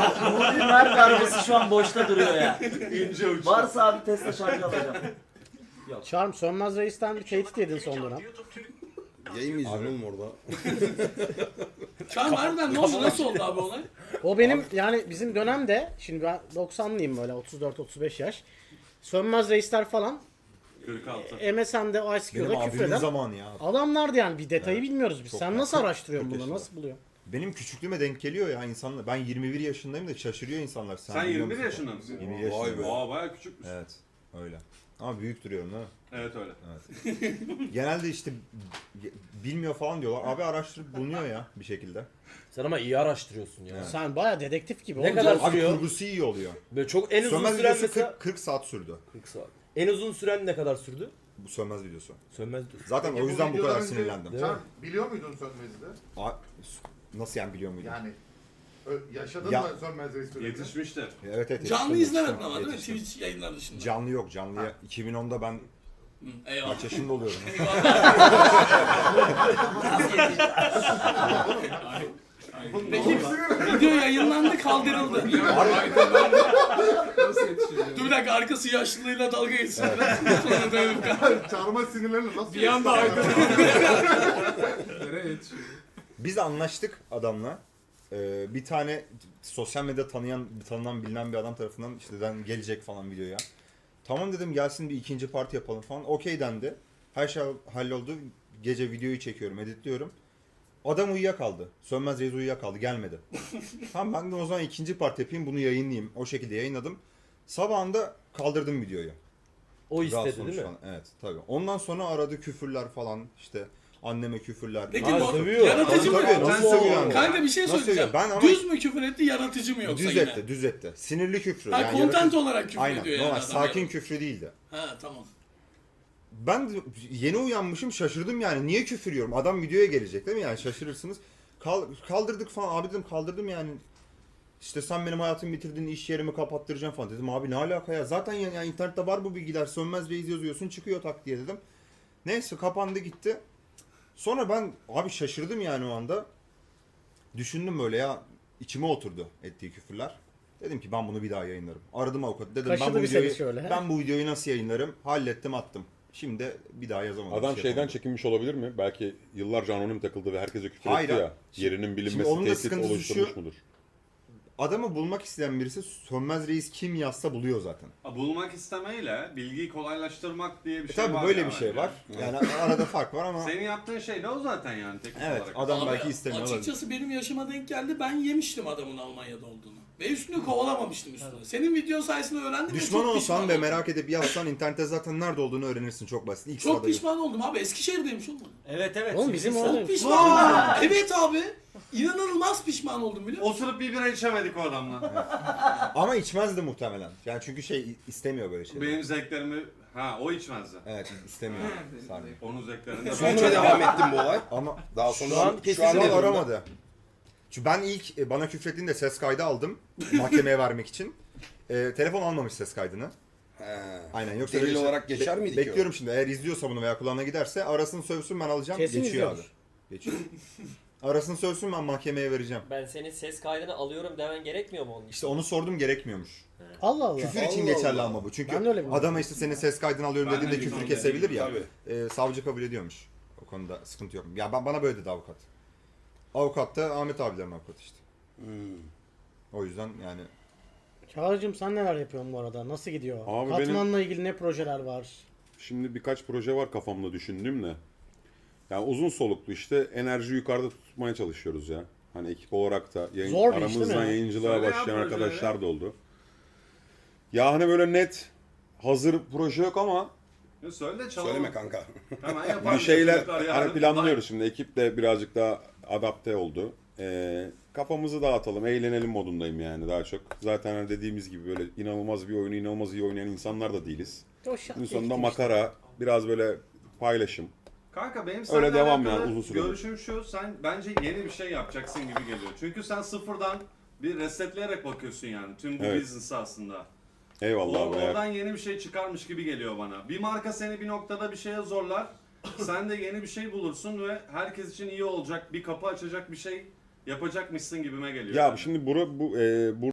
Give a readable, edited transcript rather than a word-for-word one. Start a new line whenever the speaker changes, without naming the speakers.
Nuri Mer darbesi şu an boşta duruyor ya.
İnce uç.
Varsa abi Tesla şarjı alacağım.
Charm Sönmez Reis'ten bir tehdit yedin son dönem.
Yayın mı izliyorsun oğlum orada?
Çağım harbiden ne oldu? Nasıl oldu abi olay?
O benim yani bizim dönemde, şimdi ben 90'lıyım böyle 34-35 yaş. Sönmez Reisler falan
46.
MSN'de
Benim
ICQ'da
abimin
küfreden
zamanı ya.
adamlardı yani, bir detayı bilmiyoruz biz.
Çok
Sen
ya.
nasıl araştırıyorsun
40
bunu,
yaşında.
nasıl buluyorsun?
Benim küçüklüğüme denk geliyor ya insanlar. Ben 21 yaşındayım da şaşırıyor insanlar.
Sen
biliyor
21
musun?
yaşında mısın?
21
Vay
yaşındayım.
be.
Aa bayağı küçükmüş.
Evet. Öyle. Ama büyük duruyorum değil mi?
Evet öyle.
Genelde işte bilmiyor falan diyorlar. Abi araştırıp bulunuyor ya bir şekilde.
Sen ama iyi araştırıyorsun ya.
Evet.
Sen baya dedektif gibi.
Ne
oğlum.
kadar
Abi
sürüyor?
kurgusu iyi oluyor.
Böyle çok en uzun
Sönmez
süren
videosu
mesela
40 saat sürdü.
40 saat. En uzun süren ne kadar sürdü?
Bu Sönmez videosu.
Sönmez diyorsun.
Zaten
Peki
o yüzden bu kadar
videodan önce
sinirlendim.
Değil mi?
Sen biliyor muydun Sönmez'i de?
Nasıl yani biliyor muydun?
Yani yaşadın
Ya-
mı Sönmez Reis dönemini?
Yetişmiştir.
Evet evet.
Canlı
yetiştim,
izlemedin
yetiştim,
ama değil mi?
yetiştim.
Twitch yayınları dışında.
Canlı yok. Canlıya 2010'da ben
Hı, eyvallah.
kaç yaşında oluyorum?
Peki video yayınlandı, kaldırıldı. Dur bir dakika, arkası yaşlılığıyla dalga geçsin. Sonra dönüp
Çarmıha sinirlerini nasıl
bir anda
Biz anlaştık adamla. Bir tane sosyal medya tanınan bilinen bir adam tarafından işte gelecek falan videoya. Tamam dedim, gelsin bir ikinci parti yapalım falan. Okey dendi. Her şey halloldu. Gece videoyu çekiyorum, editliyorum. Adam uyuyakaldı. Sönmez Reis uyuyakaldı, gelmedi. Tamam ben de o zaman ikinci parti yapayım, bunu yayınlayayım. O şekilde yayınladım. Sabahında kaldırdım videoyu.
O
Daha
istedi
sonuç
değil mi?
falan. Evet tabii. Ondan sonra aradı küfürler falan, işte anneme küfürler.
Peki
Ha,
bu
sövüyor.
yaratıcı mı?
Tabii, nasıl sövüyor yani?
Kanka bir şey
Nasıl
söyleyeceğim.
sövüyor? Ben ama-
Düz mü küfür etti, yaratıcı mı yoksa
Düz
yine?
etti, düz etti. Sinirli küfrü.
Ha,
yani
content
yaratıcı-
olarak küfür
Aynen,
ediyor yani
normal,
adam
sakin
yani.
küfrü değildi.
Ha tamam.
Ben de yeni uyanmışım, şaşırdım yani. Niye küfür yiyorum? Adam videoya gelecek değil mi? Yani şaşırırsınız. Kaldırdık falan. Abi dedim, kaldırdım yani. İşte sen benim hayatımı bitirdin, iş yerimi kapattıracaksın falan dedim. Abi ne alaka ya? Zaten yani internette var bu bilgiler. Sönmez Reis yazıyorsun, çıkıyor tak diye dedim. Neyse kapandı gitti. Sonra ben abi şaşırdım yani o anda. Düşündüm böyle ya, içime oturdu ettiği küfürler. Dedim ki ben bunu bir daha yayınlarım. Aradım avukatı. Dedim
Kaşıdı
ben bu
bir seni
videoyu
şöyle, he?
ben bu videoyu nasıl yayınlarım? Hallettim, attım. Şimdi bir daha yazamadım.
Adam
bir şey
şeyden
yapamadım.
çekinmiş olabilir mi? Belki yıllarca anonim takıldı ve herkese küfür
Hayır
etti
abi.
ya. Yerinin
Şimdi
bilinmesi
onun da
tehdit
sıkıntısı
oluşturmuş
şu.
mudur?
Adamı bulmak isteyen birisi Sönmez Reis kim yazsa buluyor zaten.
Bulmak istemeyle bilgiyi kolaylaştırmak diye bir şey
Tabii
var.
böyle
ya
bir şey
bence.
var. Yani arada fark var ama
Senin yaptığın şey de o zaten yani teknik
evet
olarak.
adam
Abi,
belki istemiyor olabilir.
açıkçası benim yaşıma denk geldi. Ben yemiştim adamın Almanya'da olduğunu. Ve üstünü kovalamamıştım üstüne. Senin video sayesinde öğrendim. ve
Düşman
çok
olsan
pişman
ve
oldum.
merak edip yazsan internette zaten nerede olduğunu öğrenirsin, çok basit. İlk
Çok
sırada
pişman oldum abi. Eskişehir'deymiş oğlum.
Evet evet.
Oğlum bizim
Çok
orada-
Çok pişman oldum. Evet abi. İnanılmaz pişman oldum biliyor musun?
Oturup bir bira içemedik o adamla.
Ama içmezdi muhtemelen. Yani çünkü istemiyor böyle şeyleri.
Benim zevklerimi... Ha o içmezdi.
Evet istemiyor. Sarmıyor.
Onun zevklerinde...
Sonra devam ettim bu olay.
Ama
Daha sonra
Şu an
şu an
ne durumda?
aramadı. Çünkü ben ilk bana küfrettiğinde ses kaydı aldım mahkemeye vermek için. Telefon almamış ses kaydını.
He.
Aynen, yoksa
Delil
öyle şey-
olarak geçer miydi ki o?
Bekliyorum şimdi, eğer izliyorsa bunu veya kulağına giderse arasını sövsün, ben alacağım.
Kesin
Geçiyor abi.
izliyordur.
Geçiyor. Arasını sövsün, ben mahkemeye vereceğim.
Ben senin ses kaydını alıyorum demen gerekmiyor mu onun için?
İşte onu sordum, gerekmiyormuş.
Allah Allah.
Küfür için
Allah
geçerli
Allah.
ama bu. Çünkü
Ben de öyle biliyorum.
adama işte senin ses kaydını alıyorum
Ben de
dediğinde
biliyorum.
küfür kesebilir ya.
Tabii.
Savcı kabul ediyormuş. O konuda sıkıntı yok. Ya bana böyle dedi avukat. Avukat da Ahmet abilerin avukatı işte. O yüzden yani
Çağrı'cığım sen neler yapıyorsun bu arada? Nasıl gidiyor?
Abi
Katmanla ilgili ne projeler var?
Şimdi birkaç proje var kafamda düşündüğüm de. Yani uzun soluklu işte enerji yukarıda tutmaya çalışıyoruz ya. Hani ekip olarak da
Zor bir iş değil mi
aramızdan
ya?
yayıncılığa
Söyle ya
başlayan
projeleri.
arkadaşlar da oldu. Ya hani böyle net hazır proje yok ama
Söyle çalalım.
Söyleme kanka.
Hemen yapalım.
bir şeyler
Çocuklar yarın
hani planlıyoruz şimdi. Ekip de birazcık daha adapte oldu. Kafamızı dağıtalım, eğlenelim modundayım yani daha çok. Zaten hani dediğimiz gibi böyle inanılmaz bir oyunu inanılmaz iyi oynayan insanlar da değiliz.
O şart
Günün sonunda
ekip işte.
makara, biraz böyle paylaşım.
Kanka benim
Öyle
seninle
devam
alakalı
yani, uzun süredir.
görüşüm şu, sen bence yeni bir şey yapacaksın gibi geliyor. Çünkü sen sıfırdan bir resetleyerek bakıyorsun yani tüm bu
Evet.
business'a aslında.
Eyvallah abi.
Oradan yeni bir şey çıkarmış gibi geliyor bana. Bir marka seni bir noktada bir şeye zorlar. Sen de yeni bir şey bulursun ve herkes için iyi olacak, bir kapı açacak bir şey yapacakmışsın gibime geliyor.
Ya
yani.
şimdi bu